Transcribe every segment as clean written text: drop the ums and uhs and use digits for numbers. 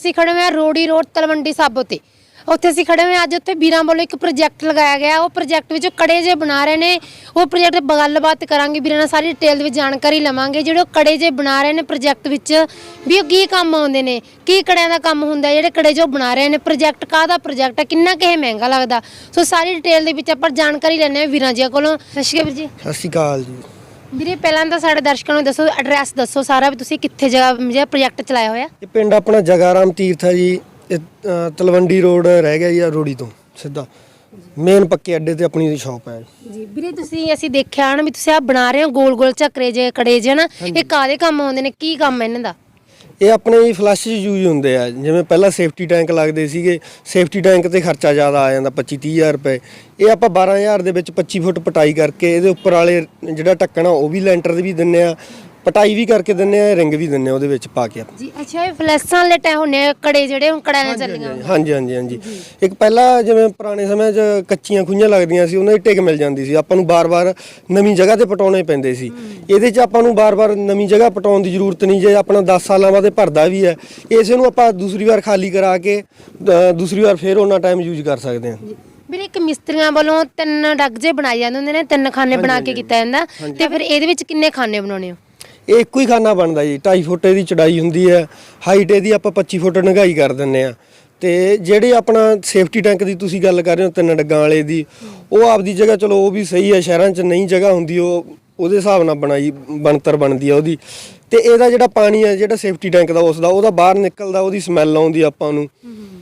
ਅਸੀਂ ਖੜੇ ਹੋਏ ਆ ਰੋੜੀ ਰੋਡ ਤਲਵੰਡੀ ਸਾਬੋ ਤੇ ਉੱਥੇ ਅਸੀਂ ਖੜੇ ਹੋਏ ਅੱਜ ਉੱਥੇ ਵੀਰਾਂ ਵੱਲੋਂ ਇੱਕ ਪ੍ਰੋਜੈਕਟ ਲਗਾਇਆ ਗਿਆ। ਉਹ ਪ੍ਰੋਜੈਕਟ ਵਿੱਚ ਕੜੇ ਜੇ ਬਣਾ ਰਹੇ ਨੇ। ਉਹ ਪ੍ਰੋਜੈਕਟ ਗੱਲਬਾਤ ਕਰਾਂਗੇ ਵੀਰਾਂ ਨਾਲ, ਸਾਰੀ ਡਿਟੇਲ ਦੇ ਵਿੱਚ ਜਾਣਕਾਰੀ ਲਵਾਂਗੇ। ਜਿਹੜੇ ਕੜੇ ਜੇ ਬਣਾ ਰਹੇ ਨੇ ਪ੍ਰੋਜੈਕਟ ਵਿੱਚ ਵੀ ਉਹ ਕੀ ਕੰਮ ਆਉਂਦੇ ਨੇ, ਕੀ ਕੜਿਆਂ ਦਾ ਕੰਮ ਹੁੰਦਾ, ਜਿਹੜੇ ਕੜੇ ਜੋ ਬਣਾ ਰਹੇ ਨੇ ਪ੍ਰੋਜੈਕਟ ਕਾਹਦਾ ਪ੍ਰੋਜੈਕਟ ਹੈ, ਕਿੰਨਾ ਕੁ ਇਹ ਮਹਿੰਗਾ ਲੱਗਦਾ। ਸੋ ਸਾਰੀ ਡਿਟੇਲ ਦੇ ਵਿੱਚ ਆਪਾਂ ਜਾਣਕਾਰੀ ਲੈਣੇ ਆ ਵੀਰਾਂ ਜੀ ਕੋਲੋਂ। ਸਤਿ ਸ਼੍ਰੀ ਅਕਾਲ ਵੀਰ ਜੀ। ਸਤਿ ਸ਼੍ਰੀ ਅਕਾਲ ਜੀ। ਵੀਰੇ ਪਹਿਲਾਂ ਤਾਂ ਸਾਡੇ ਦਰਸ਼ਕਾਂ ਨੂੰ ਦੱਸੋ, ਐਡਰੈਸ ਦੱਸੋ ਸਾਰਾ, ਵੀ ਤੁਸੀਂ ਕਿੱਥੇ ਜਗ੍ਹਾ ਜਿਹੜਾ ਪ੍ਰੋਜੈਕਟ ਚਲਾਇਆ ਹੋਇਆ। ਇਹ ਪਿੰਡ ਆਪਣਾ ਜਗਾਰਾਮ ਤੀਰਥ ਹੈ ਜੀ। ਇਹ ਤਲਵੰਡੀ ਰੋਡ ਰਹਿ ਗਿਆ ਜੀ, ਰੋੜੀ ਤੋਂ ਸਿੱਧਾ ਮੇਨ ਪੱਕੇ ਅੱਡੇ ਤੇ ਆਪਣੀ ਸ਼ਾਪ ਹੈ ਜੀ। ਵੀਰੇ ਤੁਸੀਂ ਅਸੀਂ ਦੇਖਿਆ ਨਾ ਵੀ ਤੁਸੀਂ ਆ ਬਣਾ ਰਹੇ ਹੋ ਗੋਲ ਗੋਲ ਝੱਕਰੇ ਜੇ ਕੜੇ ਜੇ ਨਾ, ਇਹ ਕਾਹਦੇ ਕੰਮ ਆਉਂਦੇ ਨੇ, ਕੀ ਕੰਮ ਹੈ ਇਹਨਾਂ ਦਾ। ਇਹ ਆਪਣੇ ਜੀ ਫਲੱਸ਼ ਯੂਜ਼ ਹੁੰਦੇ ਆ। ਜਿਵੇਂ ਪਹਿਲਾਂ ਸੇਫਟੀ ਟੈਂਕ ਲੱਗਦੇ ਸੀਗੇ, ਸੇਫਟੀ ਟੈਂਕ ਤੇ ਖਰਚਾ ਜ਼ਿਆਦਾ ਆ ਜਾਂਦਾ 25-30 ਹਜ਼ਾਰ ਰੁਪਏ। ਇਹ ਆਪਾਂ 12,000 ਦੇ ਵਿੱਚ 25 ਫੁੱਟ ਪਟਾਈ ਕਰਕੇ ਇਹਦੇ ਉੱਪਰ ਵਾਲੇ ਜਿਹੜਾ ਢੱਕਣਾ ਉਹ ਵੀ ਲੈਂਟਰ ਦੇ ਵੀ ਦਿੰਨੇ ਆ, ਪਟਾਈ ਵੀ ਕਰਕੇ ਦਿੰਨੇ ਆ, ਰਿੰਗ ਵੀ ਦਿੰਨੇ ਆ ਉਹਦੇ ਵਿੱਚ ਪਾ ਕੇ ਜੀ। ਅੱਛਾ, ਇਹ ਫਲੈਸਾਂ ਵਾਲੇ ਟੈ ਹੁੰਨੇ ਕੜੇ ਜਿਹੜੇ ਹੁਣ ਕੜਿਆਂ ਨਾਲ ਚੱਲੀਆਂ। ਹਾਂਜੀ ਹਾਂਜੀ ਹਾਂਜੀ। ਇੱਕ ਪਹਿਲਾਂ ਜਿਵੇਂ ਪੁਰਾਣੇ ਸਮੇਂ 'ਚ ਕੱਚੀਆਂ ਖੂਹੀਆਂ ਲੱਗਦੀਆਂ ਸੀ, ਉਹਨਾਂ ਦੀ ਟਿਕ ਮਿਲ ਜਾਂਦੀ ਸੀ। ਆਪਾਂ ਨੂੰ ਬਾਰ-ਬਾਰ ਨਵੀਂ ਜਗ੍ਹਾ ਤੇ ਪਟਾਉਣੇ ਪੈਂਦੇ ਸੀ। ਇਹਦੇ 'ਚ ਆਪਾਂ ਨੂੰ ਬਾਰ-ਬਾਰ ਨਵੀਂ ਜਗ੍ਹਾ ਪਟਾਉਣ ਦੀ ਜ਼ਰੂਰਤ ਨਹੀਂ। ਜੇ ਆਪਣਾ 10 ਸਾਲਾਂ ਬਾਅਦ ਭਰਦਾ ਵੀ ਹੈ, ਇਸੇ ਨੂੰ ਆਪਾਂ ਦੂਸਰੀ ਵਾਰ ਖਾਲੀ ਕਰਾ ਕੇ ਦੂਸਰੀ ਵਾਰ ਫੇਰ ਉਹਨਾਂ ਟਾਈਮ ਯੂਜ਼ ਕਰ ਸਕਦੇ ਹਾਂ। ਵੀਰੇ ਇੱਕ ਮਿਸਤਰੀਆਂ ਵੱਲੋਂ 3 ਡੱਗ ਜੇ ਬਣਾਏ ਜਾਂਦੇ ਹੁੰਦੇ ਨੇ, 3 ਖਾਨੇ ਬਣਾ ਕੇ ਕੀਤਾ ਜਾਂਦਾ, ਤੇ ਫਿਰ ਇਹਦੇ ਵਿੱਚ ਕਿੰਨੇ ਖਾਨੇ ਬਣਾਉਣੇ ਹੋ। ਇਹ ਇੱਕੋ ਹੀ ਖਾਨਾ ਬਣਦਾ ਜੀ। 2.5 ਫੁੱਟ ਇਹਦੀ ਚੜਾਈ ਹੁੰਦੀ ਹੈ, ਹਾਈਟ ਇਹਦੀ ਆਪਾਂ 25 ਫੁੱਟ ਡੂੰਘਾਈ ਕਰ ਦਿੰਨੇ ਆ। ਤੇ ਜਿਹੜੇ ਆਪਣਾ ਸੇਫਟੀ ਟੈਂਕ ਦੀ ਤੁਸੀਂ ਗੱਲ ਕਰ ਰਹੇ ਹੋ 3 ਡੱਗਾਂ ਵਾਲੇ ਦੀ, ਉਹ ਆਪਦੀ ਜਗ੍ਹਾ ਚਲੋ ਉਹ ਵੀ ਸਹੀ ਹੈ। ਸ਼ਹਿਰਾਂ 'ਚ ਨਹੀਂ ਜਗ੍ਹਾ ਹੁੰਦੀ, ਉਹ ਉਹਦੇ ਹਿਸਾਬ ਨਾਲ ਬਣਾਈ ਬਣਤਰ ਬਣਦੀ ਆ ਉਹਦੀ। ਤੇ ਇਹਦਾ ਜਿਹੜਾ ਪਾਣੀ ਹੈ ਜਿਹੜਾ ਸੇਫਟੀ ਟੈਂਕ ਦਾ ਉਹਦਾ ਬਾਹਰ ਨਿਕਲਦਾ, ਉਹਦੀ ਸਮੈਲ ਆਉਂਦੀ ਆਪਾਂ ਨੂੰ।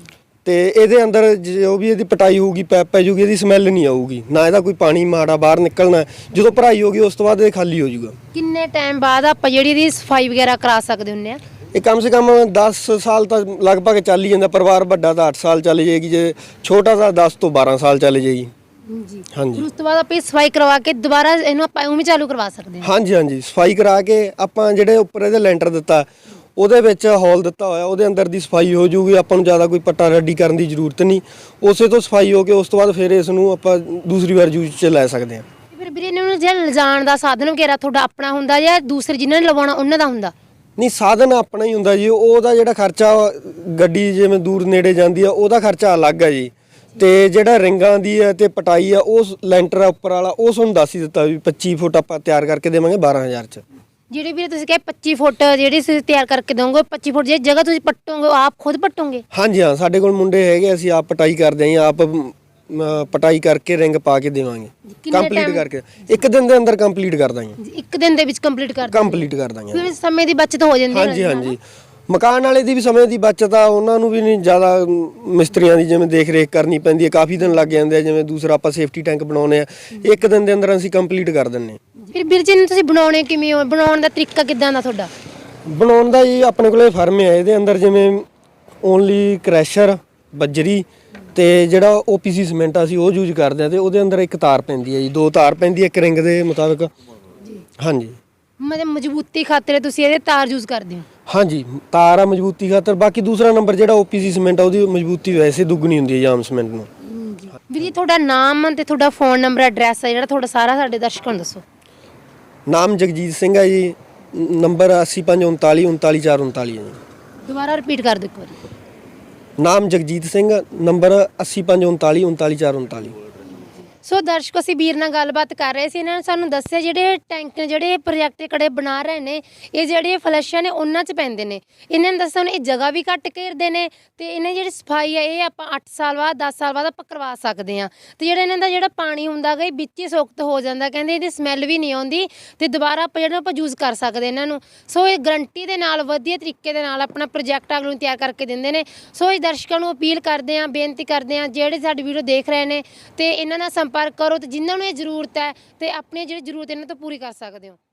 ਤੇ ਇਹਦੇ ਅੰਦਰ ਜੋ ਵੀ ਇਹਦੀ ਪਟਾਈ ਹੋਊਗੀ, ਪੈਪ ਪੈ ਜੂਗੀ, ਇਹਦੀ ਸਮੈਲ ਨਹੀਂ ਆਊਗੀ, ਨਾ ਇਹਦਾ ਕੋਈ ਪਾਣੀ ਮਾੜਾ ਬਾਹਰ ਨਿਕਲਣਾ। ਜਦੋਂ ਭਰਾਈ ਹੋਗੀ ਉਸ ਤੋਂ ਬਾਅਦ ਇਹ ਖਾਲੀ ਹੋ ਜਾਊਗਾ। ਕਿੰਨੇ ਟਾਈਮ ਬਾਅਦ ਆਪਾਂ ਜਿਹੜੀ ਇਹਦੀ ਸਫਾਈ ਵਗੈਰਾ ਕਰਾ ਸਕਦੇ ਹੁੰਨੇ ਆ। ਇਹ ਕਮ ਸੇ ਕਮ 10 ਸਾਲ ਤਾਂ ਲਗਭਗ ਚੱਲ ਹੀ ਜਾਂਦਾ। ਪਰਿਵਾਰ ਵੱਡਾ ਤਾਂ 8 ਸਾਲ ਚੱਲ ਜਾਏਗੀ, ਜੇ ਛੋਟਾ ਤਾਂ 10 ਤੋਂ 12 ਸਾਲ ਚੱਲ ਜਾਏਗੀ ਜੀ। ਹਾਂਜੀ। ਉਸ ਤੋਂ ਬਾਅਦ ਆਪਾਂ ਸਫਾਈ ਕਰਵਾ ਕੇ ਦੁਬਾਰਾ ਇਹਨੂੰ ਆਪਾਂ ਉਵੇਂ ਚਾਲੂ ਕਰਵਾ ਸਕਦੇ ਹਾਂ। ਹਾਂਜੀ ਹਾਂਜੀ, ਸਫਾਈ ਕਰਾ ਕੇ ਆਪਾਂ ਜਿਹੜੇ ਉੱਪਰ ਇਹਦੇ ਲੈਂਟਰ ਦਿੱਤਾ, ਉਹਦੇ ਵਿੱਚ ਹੋਲ ਦਿੱਤਾ ਹੋਇਆ, ਉਹਦੇ ਅੰਦਰ ਦੀ ਸਫਾਈ ਹੋ ਜੂਗੀ। ਆਪਾਂ ਨੂੰ ਜ਼ਿਆਦਾ ਕੋਈ ਪੱਟਾ ਰੱਡੀ ਕਰਨ ਦੀ ਜ਼ਰੂਰਤ ਨਹੀਂ। ਉਸੇ ਤੋਂ ਸਫਾਈ ਹੋ ਕੇ ਉਸ ਤੋਂ ਬਾਅਦ ਫਿਰ ਇਸ ਨੂੰ ਆਪਾਂ ਦੂਸਰੀ ਵਾਰ ਯੂਜ਼ 'ਚ ਲੈ ਸਕਦੇ ਹਾਂ। ਫਿਰ ਵੀਰੇ ਇਹਨਾਂ ਨੂੰ ਜਿਹੜਾ ਲਿਜਾਣ ਦਾ ਸਾਧਨ ਵਗੈਰਾ ਤੁਹਾਡਾ ਆਪਣਾ ਹੁੰਦਾ ਜਾਂ ਦੂਸਰੇ ਜਿਨ੍ਹਾਂ ਨੇ ਲਵਾਉਣਾ ਉਹਨਾਂ ਦਾ ਹੁੰਦਾ। ਨਹੀਂ, ਸਾਧਨ ਆਪਣਾ ਹੀ ਹੁੰਦਾ ਜੀ। ਉਹਦਾ ਜਿਹੜਾ ਖਰਚਾ ਗੱਡੀ ਜਿਵੇਂ ਦੂਰ ਨੇੜੇ ਜਾਂਦੀ ਆ, ਉਹਦਾ ਖਰਚਾ ਅਲੱਗ ਹੈ ਜੀ। ਤੇ ਜਿਹੜਾ ਰਿੰਗਾਂ ਦੀ ਹੈ ਤੇ ਪਟਾਈ ਆ, ਉਹ ਲੈਂਟਰ ਆ ਉੱਪਰ ਵਾਲਾ, ਉਹ ਤੁਹਾਨੂੰ ਦੱਸ ਹੀ ਦਿੱਤਾ ਵੀ 25 ਫੁੱਟ ਆਪਾਂ ਤਿਆਰ ਕਰਕੇ ਦੇਵਾਂਗੇ 12,000 'ਚ। ਜਿਹੜੇ ਵੀਰੇ ਤੁਸੀਂ ਕਹੇ 25 ਫੁੱਟ ਜਿਹੜੀ ਤੁਸੀਂ ਤਿਆਰ ਕਰਕੇ ਦੋਗੇ, 25 ਫੁੱਟ ਜਿਹੜੀ ਜਗ੍ਹਾ ਤੁਸੀਂ ਪੱਟੋਗੇ ਉਹ ਆਪ ਖੁਦ ਪੱਟੋਗੇ। ਹਾਂਜੀ ਹਾਂ, ਸਾਡੇ ਕੋਲ ਮੁੰਡੇ ਹੈਗੇ, ਅਸੀਂ ਆਪ ਪਟਾਈ ਕਰਦੇ ਹਾਂ, ਆਪ ਪਟਾਈ ਕਰਕੇ ਰਿੰਗ ਪਾ ਕੇ ਦੇਵਾਂਗੇ। ਕੰਪਲੀਟ ਕਰਕੇ 1 ਦਿਨ ਦੇ ਅੰਦਰ ਕੰਪਲੀਟ ਕਰ ਦਾਂਗੇ। 1 ਦਿਨ ਦੇ ਵਿੱਚ ਕੰਪਲੀਟ ਕਰ ਦਾਂਗੇ। ਫਿਰ ਸਮੇਂ ਦੀ ਬਚਤ ਹੋ ਜਾਂਦੀ ਹੈ। ਹਾਂਜੀ ਹਾਂਜੀ, ਮਕਾਨ ਵਾਲੇ ਦੀ ਵੀ ਸਮੇਂ ਦੀ ਬਚਤ ਆ, ਉਹਨਾਂ ਨੂੰ ਵੀ ਨਹੀਂ ਜ਼ਿਆਦਾ ਮਿਸਤਰੀਆਂ ਦੀ ਜਿਵੇਂ ਦੇਖ ਰੇਖ ਕਰਨੀ ਪੈਂਦੀ ਹੈ, ਕਾਫੀ ਦਿਨ ਲੱਗ ਜਾਂਦੇ ਆ। ਜਿਵੇਂ ਦੂਸਰਾ ਆਪਾਂ ਸੇਫਟੀ ਟੈਂਕ ਬਣਾਉਨੇ ਆ, 1 ਦਿਨ ਦੇ ਅੰਦਰ ਅਸੀਂ ਕੰਪਲੀਟ ਕਰ ਦਿੰਨੇ। ਫਿਰ ਵੀਰ ਜੀ ਤੁਸੀਂ ਬਣਾਉਣੇ ਕਿਵੇਂ ਹੋ, ਬਣਾਉਣ ਦਾ ਤਰੀਕਾ ਕਿੱਦਾਂ ਦਾ ਤੁਹਾਡਾ। ਬਣਾਉਣ ਦਾ ਜੀ ਆਪਣੇ ਕੋਲੇ ਫਰਮ ਹੈ, ਇਹਦੇ ਅੰਦਰ ਜਿਵੇਂ ਓਨਲੀ ਕ੍ਰੈਸ਼ਰ, ਬੱਜਰੀ ਤੇ ਜਿਹੜਾ OPC ਸੀਮੈਂਟ ਅਸੀਂ ਉਹ ਯੂਜ਼ ਕਰਦੇ ਆ। ਤੇ ਉਹਦੇ ਅੰਦਰ 1 ਤਾਰ ਪੈਂਦੀ ਹੈ ਜੀ, 2 ਤਾਰ ਪੈਂਦੀ ਹੈ 1 ਰਿੰਗ ਦੇ ਮੁਤਾਬਕ। ਹਾਂਜੀ, ਮਤਲਬ ਮਜ਼ਬੂਤੀ ਖਾਤਰ ਤੁਸੀਂ ਇਹਦੇ ਤਾਰ ਯੂਜ਼ ਕਰਦੇ ਹੋ। ਹਾਂਜੀ, ਤਾਰ ਆ ਮਜ਼ਬੂਤੀ ਖਾਤਰ। ਬਾਕੀ ਦੂਸਰਾ ਨੰਬਰ ਜਿਹੜਾ OPC ਸੀਮੈਂਟ ਆ, ਉਹਦੀ ਮਜ਼ਬੂਤੀ ਵੈਸੇ ਦੁੱਗਣੀ ਹੁੰਦੀ ਹੈ ਆਮ ਸੀਮੈਂਟ ਨੂੰ। ਵੀਰ ਜੀ ਤੁਹਾਡਾ ਨਾਮ ਤੇ ਤੁਹਾਡਾ ਫੋਨ ਨੰਬਰ ਐਡਰੈਸ ਹੈ ਜਿਹੜਾ ਤੁਹਾਡਾ ਸਾਰਾ ਸਾਡੇ ਦਰਸ਼ਕਾਂ ਨੂੰ ਦੱਸੋ। ਨਾਮ ਜਗਜੀਤ ਸਿੰਘ ਹੈ ਜੀ, ਨੰਬਰ 8539 39439 ਹੈ ਜੀ। ਦੁਬਾਰਾ ਰਿਪੀਟ ਕਰ ਦਿਓ ਇੱਕ ਵਾਰੀ। ਨਾਮ ਜਗਜੀਤ ਸਿੰਘ, ਨੰਬਰ 8539 39439। ਸੋ ਦਰਸ਼ਕੋ ਅਸੀਂ ਵੀਰ ਨਾਲ ਗੱਲਬਾਤ ਕਰ ਰਹੇ ਸੀ। ਇਹਨਾਂ ਨੇ ਸਾਨੂੰ ਦੱਸਿਆ ਜਿਹੜੇ ਟੈਂਕ ਜਿਹੜੇ ਪ੍ਰੋਜੈਕਟ ਕੜੇ ਬਣਾ ਰਹੇ ਨੇ, ਇਹ ਜਿਹੜੇ ਫਲੈਸ਼ਾਂ ਨੇ ਉਹਨਾਂ 'ਚ ਪੈਂਦੇ ਨੇ। ਇਹਨਾਂ ਨੇ ਦੱਸਿਆ ਇਹ ਜਗ੍ਹਾ ਵੀ ਘੱਟ ਘੇਰਦੇ ਨੇ ਤੇ ਇਹਨਾਂ ਜਿਹੜੀ ਸਫਾਈ ਹੈ ਇਹ ਆਪਾਂ 8 ਸਾਲ ਬਾਅਦ 10 ਸਾਲ ਬਾਅਦ ਆਪਾਂ ਕਰਵਾ ਸਕਦੇ ਹਾਂ। ਤੇ ਜਿਹੜਾ ਇਹਨਾਂ ਦਾ ਜਿਹੜਾ ਪਾਣੀ ਹੁੰਦਾ ਗਾ ਇਹ ਵਿੱਚ ਹੀ ਸੁੱਕਤ ਹੋ ਜਾਂਦਾ, ਕਹਿੰਦੇ ਇਹਦੀ ਸਮੈਲ ਵੀ ਨਹੀਂ ਆਉਂਦੀ ਤੇ ਦੁਬਾਰਾ ਆਪਾਂ ਯੂਜ਼ ਕਰ ਸਕਦੇ ਇਹਨਾਂ ਨੂੰ। ਸੋ ਇਹ ਗਰੰਟੀ ਦੇ ਨਾਲ ਵਧੀਆ ਤਰੀਕੇ ਦੇ ਨਾਲ ਆਪਣਾ ਪ੍ਰੋਜੈਕਟ ਅਗਲੇ ਨੂੰ ਤਿਆਰ ਕਰਕੇ ਦਿੰਦੇ ਨੇ। ਸੋ ਇਹ ਦਰਸ਼ਕਾਂ ਨੂੰ ਅਪੀਲ ਕਰਦੇ ਹਾਂ, ਬੇਨਤੀ ਕਰਦੇ ਹਾਂ, ਜਿਹੜੇ ਸਾਡੀ ਵੀਡੀਓ ਦੇਖ ਰਹੇ ਨੇ ਤੇ ਇਹਨਾਂ ਨਾਲ ਸੰਪਰਕ ਕਰੋ ਤੇ ਜਿਨ੍ਹਾਂ ਨੂੰ ਇਹ ਜ਼ਰੂਰਤ ਹੈ ਤੇ ਆਪਣੀ ਜਿਹੜੀ ਜ਼ਰੂਰਤ ਇਹਨਾਂ ਤੋਂ ਪੂਰੀ ਕਰ ਸਕਦੇ ਹੋ।